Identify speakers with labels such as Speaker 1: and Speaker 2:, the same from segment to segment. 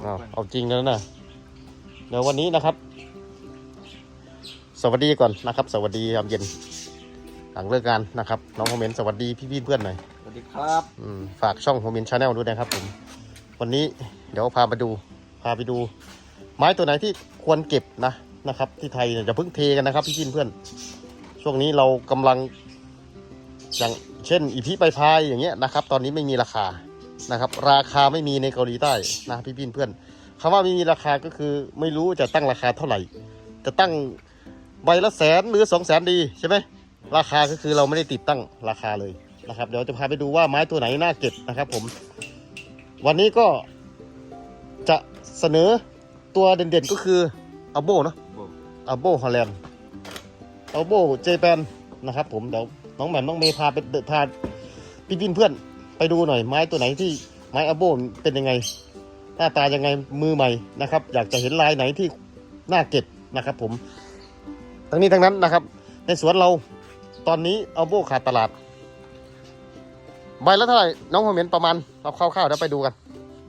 Speaker 1: เอาจริงแล้วนะเดี๋ยววันนี้นะครับสวัสดีก่อนนะครับสวัสดียามเย็นหลังเลิกงานนะครับน้องโฮเมนสวัสดีพี่เพื่อนหน่อย
Speaker 2: สวัสดีครับ
Speaker 1: ฝากช่องโฮเมนชาแนลด้วยนะครับผมวันนี้เดี๋ยวพาไปดูไม้ตัวไหนที่ควรเก็บนะครับที่ไทยเนี่ยจะเพิ่งเทกันนะครับพี่เพื่อนช่วงนี้เรากำลังอย่างเช่นอีพีใบพายอย่างเงี้ยนะครับตอนนี้ไม่มีราคานะครับราคาไม่มีในเกาหลีใต้นะพี่เพื่อนคำว่าไม่มีราคาก็คือไม่รู้จะตั้งราคาเท่าไหร่จะตั้งใบละ100,000หรือ200,000ดีใช่ไหมราคาก็คือเราไม่ได้ติดตั้งราคาเลยนะครับเดี๋ยวจะพาไปดูว่าไม้ตัวไหนน่าเก็บนะครับผมวันนี้ก็จะเสนอตัวเด่นๆก็คืออัลโบเนาะอัลโบฮอลแลนด์อัลโบเจแปนนะครับผมเดี๋ยวน้องแหม่มน้องเมย์พาพี่เพื่อนไปดูหน่อยไม้ตัวไหนที่ไม้อัลโบเป็นยังไงหน้าตายังไงมือใหม่นะครับอยากจะเห็นลายไหนที่น่าเก็บนะครับผมทั้งนี้ทั้งนั้นนะครับในสวนเราตอนนี้อัลโบขาดตลาดใบละเท่าไหร่น้องโฮเมนประมาณเราคร่าวๆเดี๋ยวไปดูกัน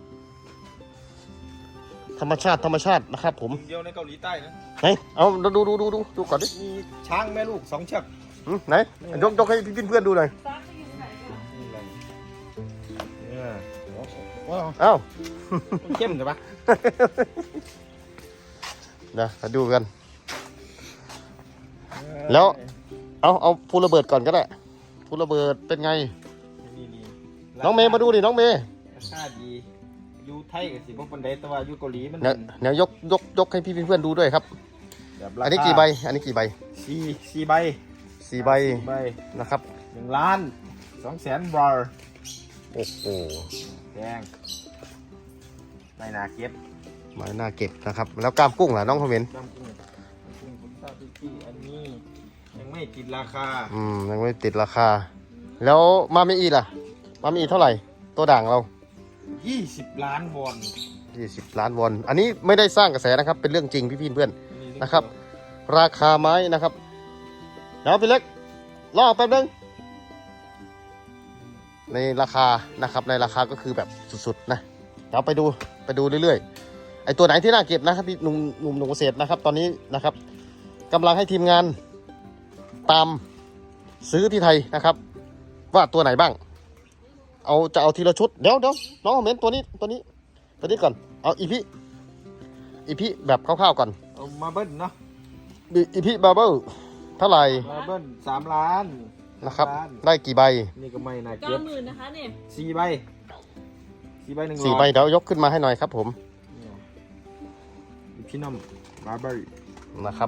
Speaker 1: ธรรมชาตินะครับผม
Speaker 2: เดียวในเกาหลีใต้นะ
Speaker 1: ไหนเอาดูก่อนดิ
Speaker 2: มีช้างแม่ลูก2 เชือก
Speaker 1: ไหนยกให้พี่เพื่อนดูหน่อยเอ้า
Speaker 2: เข้มใช่ปะ
Speaker 1: เดี๋ยวมาดูกันแล้วเอาฟูระเบิดก่อนก็ได้ฟูระเบิดเป็นไงน้องเมย์มาดูดิน้องเมย์
Speaker 2: ราคาดีอยู่ไทยกับสิบปันไดแต่ว่าอยู่เกาหลีมัน
Speaker 1: เนี่ยยกให้พี่เพื่อนดูด้วยครับอันนี้กี่ใบ4 ใบนะครับ
Speaker 2: 1,200,000 บาท
Speaker 1: โอ้โห
Speaker 2: แพงไม่น่าเก็บ
Speaker 1: นะครับแล้วกล้ามกุ้งล่ะน้องคอมเมนต์
Speaker 2: กล้ามกุ้งคุณตาพี่อันนี้ยังไม่ติดราคา
Speaker 1: ยังไม่ติดราคาแล้วมาเมอีล่ะมาเมอีเท่าไหร่ตัวด่างเรา
Speaker 2: 20 ล้านวอน
Speaker 1: 20 ล้านวอนอันนี้ไม่ได้สร้างกระแสนะครับเป็นเรื่องจริงพี่เพื่อนนะครับราคาไม้นะครับเดี๋ยวพี่เล็กรอแป๊บนึงในราคานะครับในราคาก็คือแบบสุดๆนะเดี๋ยวไปดูเรื่อยๆไอตัวไหนที่น่าเก็บนะครับพี่หนุ่มเกษตรนะครับตอนนี้นะครับกำลังให้ทีมงานตามซื้อที่ไทยนะครับว่าตัวไหนบ้างจะเอาทีละชุดเดี๋ยวน้องเมนตัวนี้ก่อนเอาอีพีแบบคร่าวๆก่อน
Speaker 2: เอามาเบิ้ลเนาะ
Speaker 1: อีพีบาร์เบิลเท่าไหร่
Speaker 2: มาเบิ้ล3 ล้าน
Speaker 1: นะครับได้กี่ใบ
Speaker 2: นี่ก็ไม่น่าเก็บ
Speaker 3: 90,000นะคะเนี่ย
Speaker 2: 4 ใบ100
Speaker 1: 4 ใบเดี๋ยวยกขึ้นมาให้หน่อยครับผม
Speaker 2: พี่น้องบาร์เบิล
Speaker 1: นะครับ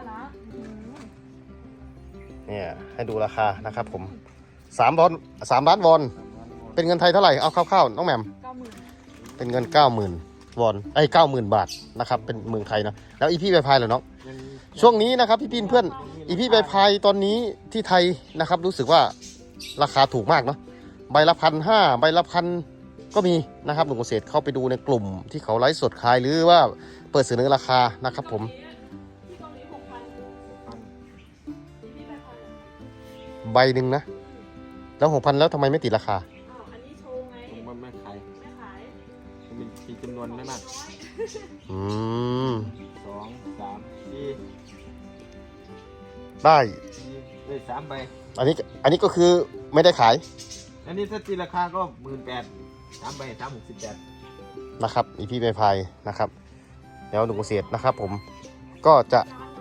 Speaker 1: เนี่ยให้ดูราคานะครับผม3 ล้านวอนเป็นเงินไทยเท่าไหร่เอาคร่าวๆน้องแหม่ม90,000เป็นเงิน90,000 วอน90,000 บาทนะครับเป็นเมืองไทยนะแล้วอีพี่ใบพายเหรอน้องช่วงนี้นะครับพี่เพื่อนอีพี่ใบพายตอนนี้ที่ไทยนะครับรู้สึกว่าราคาถูกมากเนาะใบละ1,500ใบละ1,000ก็มีนะครับหนุ่มเกษตรเข้าไปดูในกลุ่มที่เขาไลฟ์สดขายหรือว่าเปิดเสนอราคานะครับผมใบหนึ่งนะแล้ว6,000แล้วทำไมไม่ติดราคา
Speaker 3: อันนี้โชว์ไง
Speaker 2: มันไม่ขายมีจำนวนไม่มาก2 3 4
Speaker 1: ได้
Speaker 2: 3 ใบ
Speaker 1: อันนี้ก็คือไม่ได้ขาย
Speaker 2: อันนี้ถ้าตีราคาก็18,000 3 ใบ368
Speaker 1: นะครับอีพี่ใบพายนะครับแล้วหนุ่มเกษตรนะครับผมก็จะ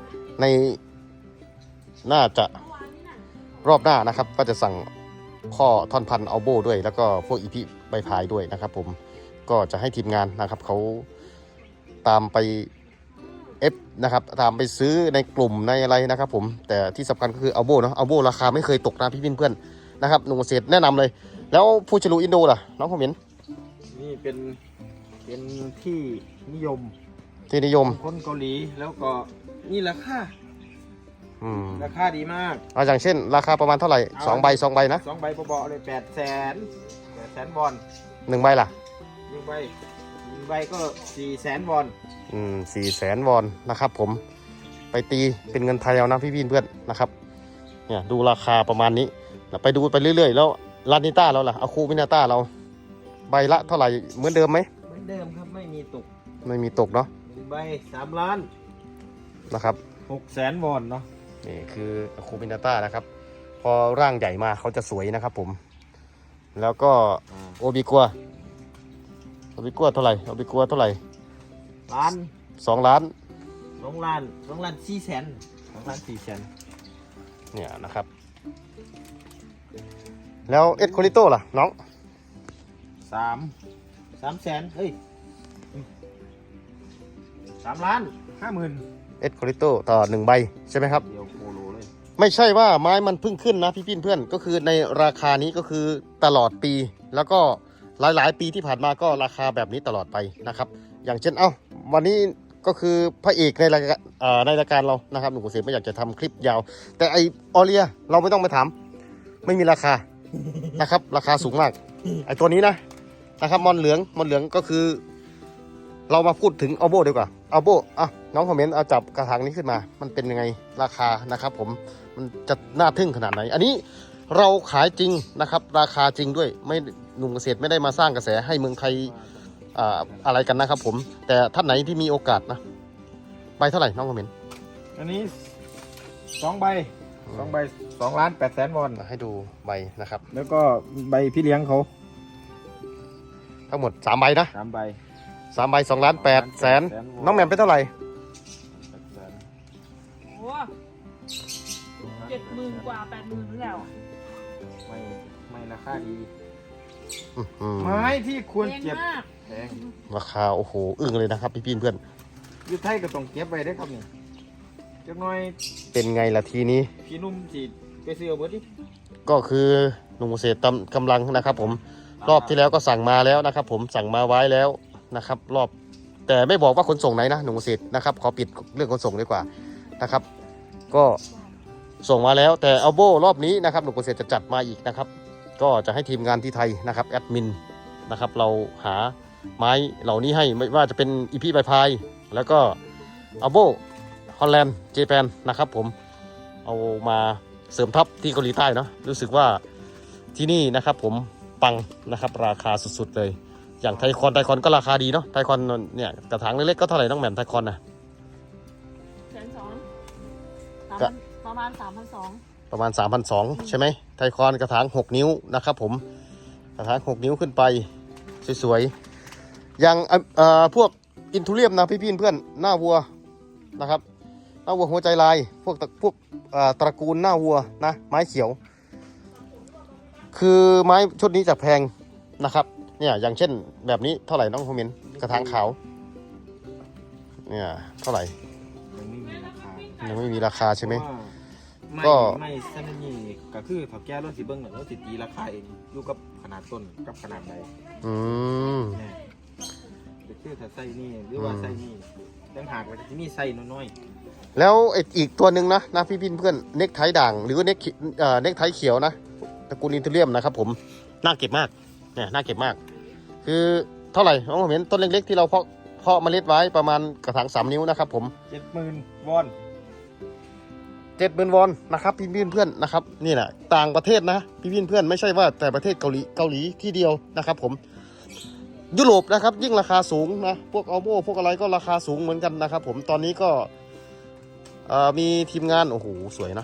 Speaker 1: น่าจะรอบหน้านะครับก็จะสั่งข้อท่อนพันเอาโบด้วยแล้วก็พวกอีพีใบพายด้วยนะครับผมก็จะให้ทีมงานนะครับเขาตามไปนะครับตามไปซื้อในกลุ่มในอะไรนะครับผมแต่ที่สำคัญก็คือเอาโบเนาะเอาโบราคาไม่เคยตกนะพี่เพื่อนนะครับหนุ่มเกษตรแนะนำเลยแล้วฟูชิลูอินโดล่ะน้องคอมเมนต์
Speaker 2: นี่เป็นที่นิยมคนเกาหลีแล้วก็นี่ราคาดีมาก
Speaker 1: อย่างเช่นราคาประมาณเท่าไหร่2 ใบนะ
Speaker 2: 2 ใบเบาๆเลย800,000 วอน
Speaker 1: 1 ใบล่ะ
Speaker 2: 1 ใบก็400,000 วอน
Speaker 1: 400,000 วอนนะครับผมไปตีเป็นเงินไทยเอานะพี่เพื่อนนะครับเนี่ยดูราคาประมาณนี้ไปดูไปเรื่อยๆแล้วลานิต้าเราล่ะเอาคูมินาต้าเราใบละเท่าไหร่เหมือนเดิมไหม
Speaker 2: เดิมครับไม่มีตก
Speaker 1: ไม่มีตกเนาะ
Speaker 2: ใบ3 ล้าน
Speaker 1: นะครับ
Speaker 2: 600,000 วอนเนาะ
Speaker 1: นี่คือคูมินาต้านะครับ พอร่างใหญ่มาเขาจะสวยนะครับผม แล้วก็โอบิกัวเท่าไหร่โอบิกัวเท่าไหร่
Speaker 2: ล้าน
Speaker 1: 2 ล้าน
Speaker 2: 2 ล้าน2 ล้าน4 แสน2 ล้าน4 แสน
Speaker 1: เนี่ยนะครับ แล้วเอ็ดโคลิโต้ล่ะน้อง
Speaker 2: 3 แสนเฮ้ย3 ล้าน 50,000
Speaker 1: เอ็ดโคลิโต้ต่อ1 ใบใช่ไหมครับ
Speaker 2: เดียวโคโลเลย
Speaker 1: ไม่ใช่ว่าไม้มันเพิ่งขึ้นนะพี่เพื่อนก็คือในราคานี้ก็คือตลอดปี แล้วก็หลายๆ ปีที่ผ่านมาก็ราคาแบบนี้ตลอดไปนะครับ อย่างเช่นวันนี้ก็คือพระเอกในรายการในรายการเรานะครับหนุ่มเกษตรไม่อยากจะทำคลิปยาว แต่ไอออเลียเราไม่ต้องไปถามไม่มีราคานะครับ ราคาสูงมากไอตัวนี้นะครับมอนเหลืองก็คือ เรามาพูดถึงอัลโบดีกว่าอัลโบน้องคอมเมนต์เอาจับกระถางนี้ขึ้นมามันเป็นยังไงราคานะครับผมมันจะน่าทึ่งขนาดไหนอันนี้เราขายจริงนะครับราคาจริงด้วยไม่หนุ่มเกษตรไม่ได้มาสร้างกระแสให้เมืองไทยอะไรกันนะครับผมแต่ท่านไหนที่มีโอกาสนะใบเท่าไหร่น้องคอมเมนต์
Speaker 2: อันนี้2 ใบ2 ล้าน 8 แสน วอน
Speaker 1: ให้ดูใบนะครับ
Speaker 2: แล้วก็ใบพี่เลี้ยงเขา
Speaker 1: ทั้งหมด3 ใบนะ
Speaker 2: 3 ใบ
Speaker 1: 3 ใบ2 ล้าน 8 แสนน้องแหม่มเป็นเท่าไหร่
Speaker 3: โอ้70,000 กว่า 80,000 แล้ว
Speaker 2: ไม่ราคาดี
Speaker 1: อื้อหือ
Speaker 2: ไม้ที่ควร
Speaker 3: แพง
Speaker 2: เก็บ
Speaker 3: มาก
Speaker 2: แพง
Speaker 1: ราคาโอ้โหอึ้งเลยนะครับพี่เพื่อน
Speaker 2: อยู่ไทยก็ต้องเก็บไว้ได้อครับนี่จักหน่อย
Speaker 1: เป็นไงล่ะทีนี้
Speaker 2: พี่นุ่มสิไปซื้อเอาเบิดดิ
Speaker 1: ก็คือหนุ่มเกษตรกำลังนะครับผมรอบที่แล้วก็สั่งมาแล้วนะครับผมสั่งมาไว้แล้วนะครับรอบแต่ไม่บอกว่าขนส่งไหนนะหนุ่มเกษตรนะครับขอปิดเรื่องขนส่งดีกว่านะครับก็ส่งมาแล้วแต่อัลโบรอบนี้นะครับหนุ่มเกษตรจะจัดมาอีกนะครับก็จะให้ทีมงานที่ไทยนะครับแอดมินนะครับเราหาไม้เหล่านี้ให้ไม่ว่าจะเป็นอีพีใบพายแล้วก็อัลโบฮอลแลนด์เจแปนนะครับผมเอามาเสริมทัพที่เกาหลีใต้เนาะรู้สึกว่าที่นี่นะครับผมปังนะครับราคาสุดๆเลยอย่างไทคอนก็ราคาดีเนาะไทคอนเนี่ยกระถางเล็กๆก็เท่าไหร่น้องแหม่มไทคอนนะ
Speaker 3: 120,000 ประมาณ 3,200
Speaker 1: ประมาณ 3,200 ใช่ไหมไทคอนกระถาง6 นิ้วนะครับผมกระถาง6 นิ้วขึ้นไปสวยๆอย่างพวกอินทูเรียมนะพี่ๆเพื่อนหน้าวัวนะครับหน้าวัวหัวใจลายพวกตระกูลหน้าวัวนะไม้เขียวคือไม้ชุดนี้จะแพงนะครับเนี่ยอย่างเช่นแบบนี้เท่าไหร่น้องคอมเมนต์กระถางขาวเนี่ยเท่าไหร่
Speaker 2: ยังไม่มีราคา
Speaker 1: ยังไม่มีราคาใช่ไหม
Speaker 2: เพราะว่า
Speaker 1: ก็
Speaker 2: ไม่ซันนี่ก็คือถ้าแก้รถสิเบิ้งรถสิตีราคาเองอยู่กับขนาดต้นกับขนาดใด
Speaker 1: อืม
Speaker 2: เนี่ยจะคือถ้าใส่นี่หรือว่าใส่นี่ตั้งหากว่าจะมีใส่น้อย
Speaker 1: แล้วอีกตัวหนึ่งนะพี่เพื่อนเน็กไทด่างหรือว่าเน็กไทเขียวนะตระกูลอินเทเรียมนะครับผมน่าเก็บมากเนี่ยน่าเก็บมาก คือเท่าไหร่น้องผมเห็นต้นเล็กๆที่เราเพาะเมล็ดไว้ประมาณกระถาง3 นิ้วนะครับผม
Speaker 2: 70,000 วอน
Speaker 1: 70,000 วอนนะครับพี่เพื่อนนะครับนี่แหละต่างประเทศนะพี่เพื่อนไม่ใช่ว่าแต่ประเทศเกาหลีที่เดียวนะครับผมยุโรปนะครับยิ่งราคาสูงนะพวกอัลโบพวกอะไรก็ราคาสูงเหมือนกันนะครับผมตอนนี้ก็มีทีมงานโอ้โหสวยนะ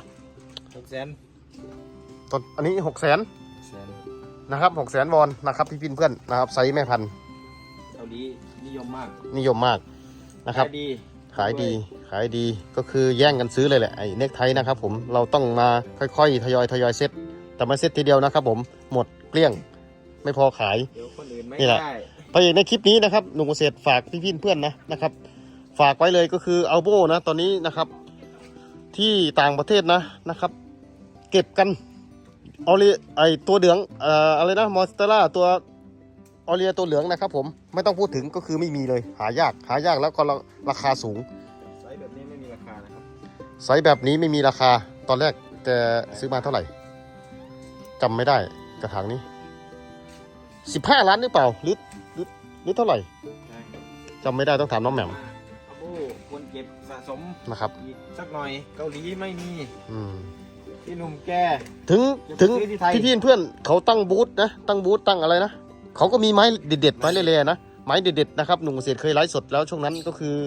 Speaker 2: 600,000
Speaker 1: ตอนอันนี้600,000นะครับ600,000 วอนนะครับพี่เพื่อนนะครับไซส์แม่พันธุ์
Speaker 2: เกาหลีนิยมมาก
Speaker 1: นิยมมากนะครับ
Speaker 2: ขายดี
Speaker 1: ขายดีก็คือแย่งกันซื้อเลยแหละไอ้เน็กไทนะครับผมเราต้องมาค่อยๆทยอยเซ็ตแต่ไม่เซ็ตทีเดียวนะครับผมหมดเกลี้ยงไม่พอขาย
Speaker 2: เดี๋ยวคนอื่นไม่
Speaker 1: นี่แหละ
Speaker 2: ได้
Speaker 1: พระเอกในคลิปนี้นะครับหนุ่มเกษตรฝากพี่เพื่อนนะครับฝากไว้เลยก็คืออัลโบนะตอนนี้นะครับที่ต่างประเทศนะครับเก็บกันออเลียไอตัวเหลืองอะไรนะมอสเตอร่าตัวออเลียตัวเหลืองนะครับผมไม่ต้องพูดถึงก็คือไม่มีเลยหายากแล้วก็ราคาสูง
Speaker 2: ไซส์แบบนี้ไม่มีราคานะครับ
Speaker 1: ไซส์แบบนี้ไม่มีราคาตอนแรกแกซื้อมาเท่าไหร่จำไม่ได้กระถางนี้15 ล้านหรือเปล่าหรือเท่าไหร่จำไม่ได้ต้องถามน้องแหม่ม
Speaker 2: อัลโบควรเก็บสะสม
Speaker 1: นะครับ
Speaker 2: อีกสักหน่อยเกาหลีไม่มี
Speaker 1: อืม
Speaker 2: พี่หนุ่มแก
Speaker 1: ถึง
Speaker 2: ซื้อที่ไทย
Speaker 1: พี่เพื่อนเขาตั้งบูธนะตั้งบูธตั้งอะไรนะเขาก็มีไม้เด็ดๆไม้เละๆนะไม้เด็ดๆนะครับหนุ่มเกษตรเคยไลฟ์สดแล้วช่วงนั้นก็คือ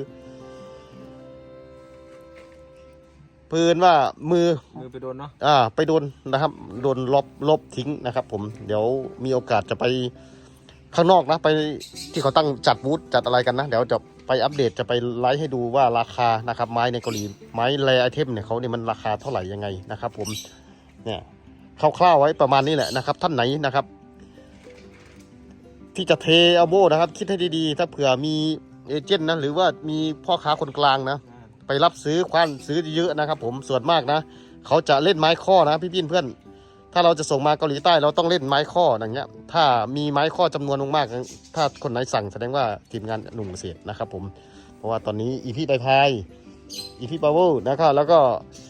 Speaker 1: ปืนว่ามือ
Speaker 2: ไปโดนเนาะ
Speaker 1: ไปโดนนะครับโดนลบทิ้งนะครับผมเดี๋ยวมีโอกาสจะไปข้างนอกนะไปที่เขาตั้งจัดบูธจัดอะไรกันนะเดี๋ยวจะไปอัปเดตจะไปไลฟ์ให้ดูว่าราคานะครับไม้ในเกาหลีไม้แรไอเทมเนี่ยเขาเนี่ยมันราคาเท่าไหร่ยังไงนะครับผมเนี่ยคร่าวๆไว้ประมาณนี้แหละนะครับท่านไหนนะครับที่จะเทเอาโบนะครับคิดให้ดีๆถ้าเผื่อมีเอเจนต์นะหรือว่ามีพ่อค้าคนกลางนะไปรับซื้อคว้านซื้อเยอะนะครับผมส่วนมากนะเขาจะเล่นไม้ข้อนะพี่เพื่อนถ้าเราจะส่งมาเกาหลีใต้เราต้องเล่นไม้ข้ออย่างเงี้ยถ้ามีไม้ข้อจำนวนมากถ้าคนไหนสั่งแสดงว่าทีมงานหนุ่มเกษตรนะครับผมเพราะว่าตอนนี้อีพีใบพายอีพีปาโวนะครับแล้วก็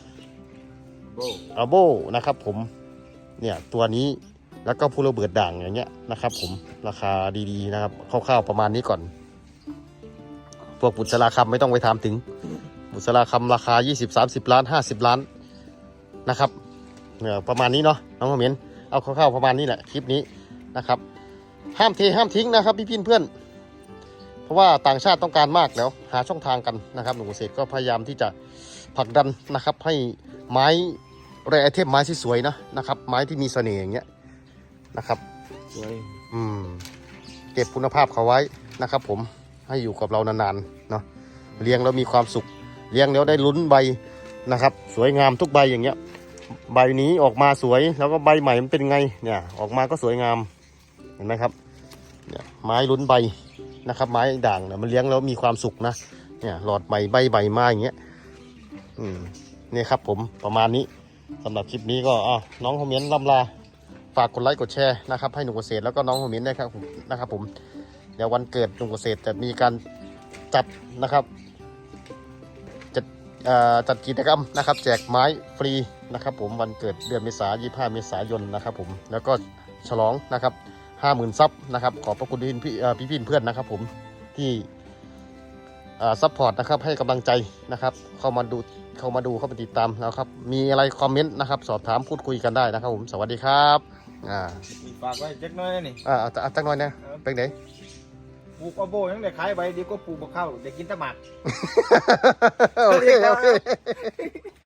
Speaker 1: อาโบนะครับผมเนี่ยตัวนี้แล้วก็พูโรเบิร์ดด่างอย่างเงี้ยนะครับผมราคาดีๆนะครับคร่าวๆประมาณนี้ก่อนพวกบุษราคำไม่ต้องไปถามถึงบุษราคำราคา20-30 ล้าน50 ล้านนะครับเนี่ยประมาณนี้เนาะน้องคอมเมนต์เอาคร่าวๆประมาณนี้แหละคลิปนี้นะครับห้ามเทห้ามทิ้งนะครับพี่เพื่อนเพราะว่าต่างชาติต้องการมากแล้วหาช่องทางกันนะครับหนุ่มเกษตรก็พยายามที่จะผลักดันนะครับให้ไม้แรไอเทมไม้ที่สวยนะครับไม้ที่มีเสน่ห์อย่างเงี้ยนะครับ
Speaker 2: สวย
Speaker 1: เก็บคุณภาพเขาไว้นะครับผมให้อยู่กับเรานานๆเนาะเลี้ยงแล้วมีความสุขเลี้ยงแล้วได้ลุ้นใบนะครับสวยงามทุกใบอย่างเงี้ยใบนี้ออกมาสวยแล้วก็ใบใหม่มันเป็นไงเนี่ยออกมาก็สวยงามเห็นไหมครับเนี่ยไม้ลุ้นใบนะครับไม้ด่างเนี่ยมันเลี้ยงแล้วมีความสุขนะเนี่ยหลอดใบใบใบมาอย่างเงี้ยนี่ครับผมประมาณนี้สำหรับคลิปนี้ก็น้องคอมเมนต์ล่ำลาฝากกดไลค์กดแชร์นะครับให้หนุ่มเกษตรแล้วก็น้องคอมเมนต์นะครับผมเดี๋ยววันเกิดหนุ่มเกษตรจะมีการจัดนะครับจัดกิจกรรมนะครับแจกไม้ฟรีนะครับผมวันเกิดเดือนเมษายน25 เมษายนนะครับผมแล้วก็ฉลองนะครับ 50,000 ซับนะครับขอบพระคุณพี่เพื่อนนะครับผมที่ซัพพอร์ตนะครับให้กำลังใจนะครับเข้ามาดูเข้ามาติดตามนะครับมีอะไรคอมเมนต์นะครับสอบถามพูดคุยกันได้นะครับผมสวัสดีครับ
Speaker 2: ฝากไว้จักหน่อยนี่
Speaker 1: จักหน่อยนะเป็นไง
Speaker 2: ปลูกอาโบยังได้ขายใบเดียวก็ปลูกมะเข้าได้กินตะหมัก
Speaker 1: โอเค